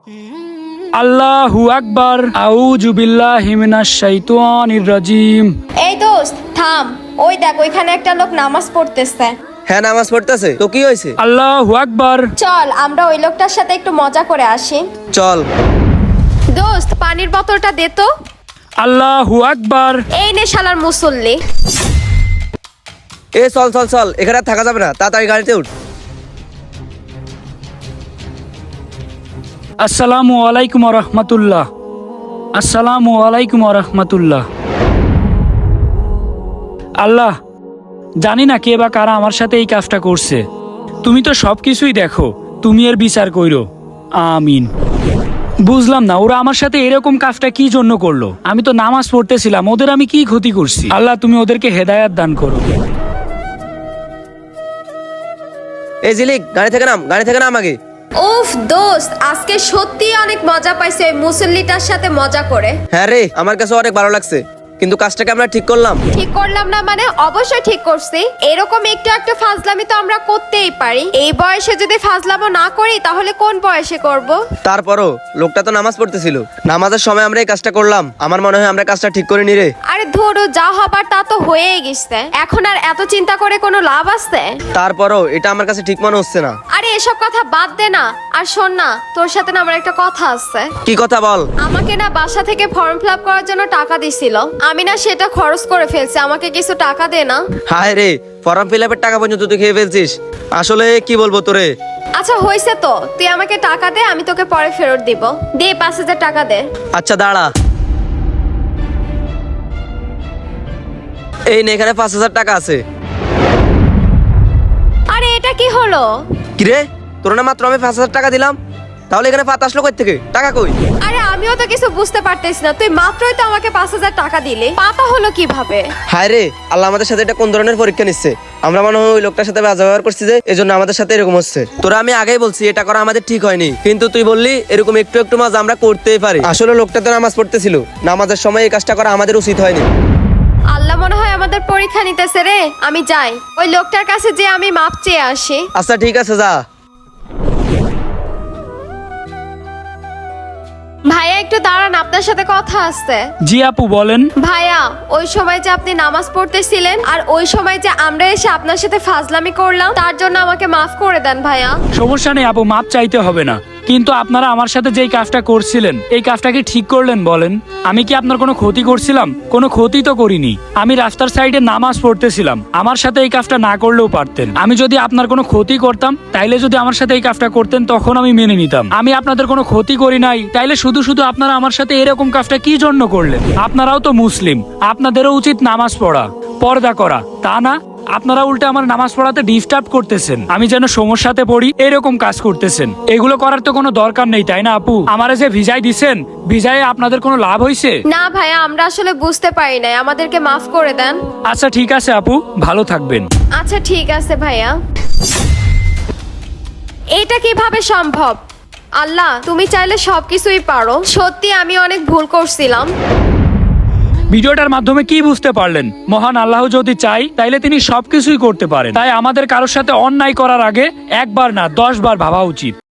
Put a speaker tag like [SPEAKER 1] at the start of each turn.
[SPEAKER 1] আল্লাহু আকবার। আউযু বিল্লাহি মিনাশ শাইতানির রাজিম।
[SPEAKER 2] এই দোস্ত থাম, ওই দেখ ওইখানে একটা লোক নামাজ পড়তেছে।
[SPEAKER 3] হ্যাঁ, নামাজ পড়তেছে তো কি হয়েছে?
[SPEAKER 1] আল্লাহু আকবার।
[SPEAKER 2] চল আমরা ওই লোকটার সাথে একটু মজা করে আসি।
[SPEAKER 3] চল।
[SPEAKER 2] দোস্ত পানির বোতলটা দে তো।
[SPEAKER 1] আল্লাহু আকবার।
[SPEAKER 2] এই নে শালার মুসল্লি।
[SPEAKER 3] এ চল চল চল, এখানে আর থাকা যাবে না, তাড়াতাড়ি গাড়িতে উঠ।
[SPEAKER 1] আসসালামু আলাইকুম ওয়া রাহমাতুল্লাহ। আসসালামু আলাইকুম ওয়া রাহমাতুল্লাহ। আল্লাহ, জানি না কে বা কারা আমার সাথে এই কাজটা করছে। তুমি তো সবকিছুই দেখো, তুমি এর বিচার কইরো। আমিন। বুঝলাম না ওরা আমার সাথে এরকম কাজটা কি জন্য করলো। আমি তো নামাজ পড়তেছিলাম, ওদের আমি কি ক্ষতি করছি? আল্লাহ, তুমি ওদেরকে হেদায়েত দান করো।
[SPEAKER 3] এই জিলিক, গাড়ি থেকে নাম, গাড়ি থেকে নাম আগে।
[SPEAKER 2] উফ দোস্ত, আজকে সত্যি অনেক মজা পাইছে ওই মুসল্লিটার সাথে মজা করে।
[SPEAKER 3] হ্যাঁ রে, আমার কাছে অনেক ভালো লাগছে, কিন্তু কাজটাকে আমরা ঠিক করলাম।
[SPEAKER 2] ঠিক করলাম না মানে? অবশ্যই ঠিক করছি। এরকম একটু একটু ফাজলামি তো আমরা করতেই পারি। এই বয়সে যদি ফাজলামো না করি তাহলে কোন বয়সে করব?
[SPEAKER 3] তারপরও লোকটা তো নামাজ পড়তেছিল, নামাজের সময় আমরা এই কাজটা করলাম। আমার মনে হয় আমরা কাজটা ঠিক করে নি রে।
[SPEAKER 2] আরে ধরো, যা হবার তা তো হয়েই গেছে, এখন আর এত চিন্তা করে কোনো লাভ আছে?
[SPEAKER 3] তারপরও এটা আমার কাছে ঠিক মনে হচ্ছে না।
[SPEAKER 2] আরে এসব কথা বাদ দে না। আর শোন না, তোর সাথে না আমার একটা কথা আছে।
[SPEAKER 3] কি কথা বল?
[SPEAKER 2] আমাকে না বাসা থেকে ফর্ম ফিল আপ করার জন্য টাকা দিছিল, আমি না সেটা খরচ করে ফেলছি। আমাকে কিছু টাকা দে না।
[SPEAKER 3] হায় রে, ফর্ম ফিল আপের টাকা পর্যন্ত তুই খেয়ে ফেলছিস। আসলে কি বলবো তোরে।
[SPEAKER 2] আচ্ছা হয়েছে তো, তুই আমাকে টাকা দে, আমি তোকে পরে ফেরত দিব। দে 5,000 টাকা দে।
[SPEAKER 3] আচ্ছা দাঁড়া, এই নে, এখানে 5,000 টাকা আছে।
[SPEAKER 2] আরে এটা কি হলো?
[SPEAKER 3] কিরে, তোর না মাত্র আমি 5,000 টাকা দিলাম, তাহলে এখানে 5 আসলো কই থেকে? টাকা কই?
[SPEAKER 2] আরে আমিও তো কিছু বুঝতে পারতেছি না, তুই মাত্রই তো আমাকে 5,000 টাকা দিলি, পাতা হলো কিভাবে?
[SPEAKER 3] হায় রে, আল্লাহ আমাদের সাথে এটা কোন ধরনের পরীক্ষা নিচ্ছে। আমরা মনে হয় ওই লোকটার সাথে বাজে ব্যবহার করছি, যে এজন্য আমাদের সাথে এরকম হচ্ছে। তোরা আমি আগেই বলছি এটা করা আমাদের ঠিক হয়নি, কিন্তু তুই বললি এরকম একটু একটু মাঝে আমরা করতেই পারি। আসলে লোকটা তো নামাজ পড়তেছিল, নামাজের সময় এই কাজটা করা আমাদের উচিত হয়নি।
[SPEAKER 2] আল্লাহ মনে হয় আমাদের পরীক্ষা নিতেছে রে। আমি যাই, ওই লোকটার কাছে যে আমি মাপ চেয়ে আসি।
[SPEAKER 3] আচ্ছা ঠিক আছে, যা।
[SPEAKER 2] ভাইয়া একটু দাঁড়ান, আপনার সাথে কথা আছে।
[SPEAKER 1] জি আপু, বলেন।
[SPEAKER 2] ভাইয়া, ওই সময় যে আপনি নামাজ পড়তেছিলেন আর ওই সময় যে আমরা এসে আপনার সাথে ফাজলামি করলাম, তার জন্য আমাকে মাফ করে দেন ভাইয়া।
[SPEAKER 1] সমস্যা নেই আপু, মাপ চাইতে হবে না। কিন্তু আপনারা আমার সাথে যেই কাজটা করছিলেন, এই কাজটা কি ঠিক করলেন বলেন? আমি কি আপনার কোনো ক্ষতি করছিলাম? কোনো ক্ষতি তো করিনি। আমি রাস্তার সাইডে নামাজ পড়তেছিলাম, আমার সাথে এই কাজটা না করলেও পারতেন। আমি যদি আপনার কোনো ক্ষতি করতাম, তাইলে যদি আমার সাথে এই কাজটা করতেন তখন আমি মেনে নিতাম। আমি আপনাদের কোনো ক্ষতি করি নাই, তাইলে শুধু শুধু আপনারা আমার সাথে এরকম কাজটা কি জন্য করলেন? আপনারাও তো মুসলিম, আপনাদেরও উচিত নামাজ পড়া, পর্দা করা, তা না? আপনারা উল্টে আমার নামাজ পড়াতে ডিস্টার্ব করতেছেন, আমি যেন সমস্যাতে পড়ি এরকম কাজ করতেছেন। এগুলো করার তো কোনো দরকার নেই, তাই না আপু? আমারে যে ভিজাই দিছেন, ভিজায় আপনাদের কোনো লাভ হয়েছে?
[SPEAKER 2] না ভাইয়া, আমরা আসলে বুঝতে পারি নাই, আমাদেরকে মাফ করে দেন।
[SPEAKER 1] আচ্ছা ঠিক আছে আপু, ভালো থাকবেন।
[SPEAKER 2] আচ্ছা ঠিক আছে ভাইয়া। এটা কিভাবে সম্ভব? আল্লাহ, তুমি চাইলে সবকিছুই পারো। সত্যি আমি অনেক ভুল করছিলাম।
[SPEAKER 1] ভিডিওটার মাধ্যমে কি বুঝতে পারলেন? মহান আল্লাহ যদি চাই তাইলে তিনি সবকিছুই করতে পারেন। তাই আমাদের কারোর সাথে অন্যায় করার আগে একবার না 10 বার ভাবা উচিত।